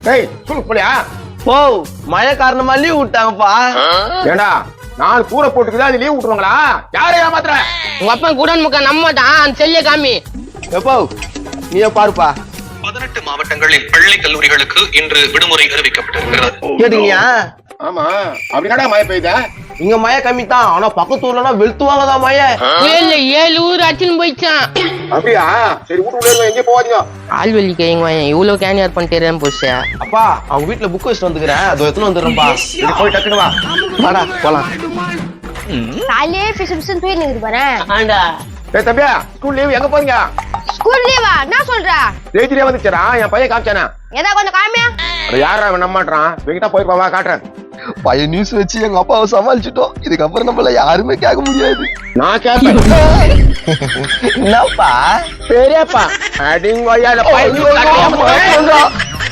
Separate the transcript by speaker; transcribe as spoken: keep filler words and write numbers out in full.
Speaker 1: டேய் ஸ்கூலுக்கு போலியா?
Speaker 2: போ மழை காரணமா லீவ் விட்டாங்கப்பா.
Speaker 1: ஏண்டா நான் கூரை போட்டுக்குதா அது லீவ் விட்டுருவாங்களா? யாரை ஏமாத்துற?
Speaker 3: உங்க அப்பா குடன் முக்க நம்ம தான் செல்ல காமி.
Speaker 2: எப்போ நீயே பாருப்பா.
Speaker 4: பதினெட்டு மாவட்டங்களில் பள்ளி கல்லூரிகளுக்கு இன்று விடுமுறை அறிவிக்கப்பட்டிருக்கிறது.
Speaker 2: கேட்டீங்கயா?
Speaker 1: ஆமா அப்படின்னாடா மழை பெய்யுதா?
Speaker 2: இங்க மழை கம்மி தான், ஆனா பக்கத்து ஊர்லனா வெளுத்துவாங்கதான் மழை.
Speaker 3: ஏழு ஏழு ஊர் அச்சுன்னு போயிச்சான்.
Speaker 1: அப்படியா? சரி வீட்டுக்குள்ள எங்கே போவாதீங்க.
Speaker 3: ஆள்வெளி கைங்க இவ்வளவு கேனியார் பண்ணிட்டேன் போச்சா.
Speaker 2: அப்பா அவங்க வீட்டுல புக் வச்சுட்டு வந்துக்கிறேன், அதோ எத்தனை வந்துடுறேன்ப்பா.
Speaker 1: சரி போய் டக்குனு வா.
Speaker 2: வாடா போலாம்.
Speaker 5: காலையே பிசு பிசுன்னு போய் நிக்குது பாரு.
Speaker 3: ஆண்டா
Speaker 1: ஏய் தம்பியா ஸ்கூல் லீவ் எங்க போறீங்க?
Speaker 5: ஸ்கூல் லீவா? என்ன சொல்ற?
Speaker 1: ஜெயிச்சிரியா வந்துச்சா? என் பையன் காமிச்சானே.
Speaker 5: ஏதா கொஞ்சம் காமியா?
Speaker 1: அது யாரா அவன் நம்ப மாட்டான். வெங்கிட்டா போயிருப்பா வா காட்டுறேன்.
Speaker 2: பையன் நியூஸ் வச்சு எங்க அப்பாவை சமாளிச்சுட்டோம். இதுக்கப்புறம் நம்மள யாருமே கேட்க முடியாது.
Speaker 1: நான் கேட்பேன்.
Speaker 2: என்னப்பா
Speaker 1: பெரியப்பா அடிங்கோயா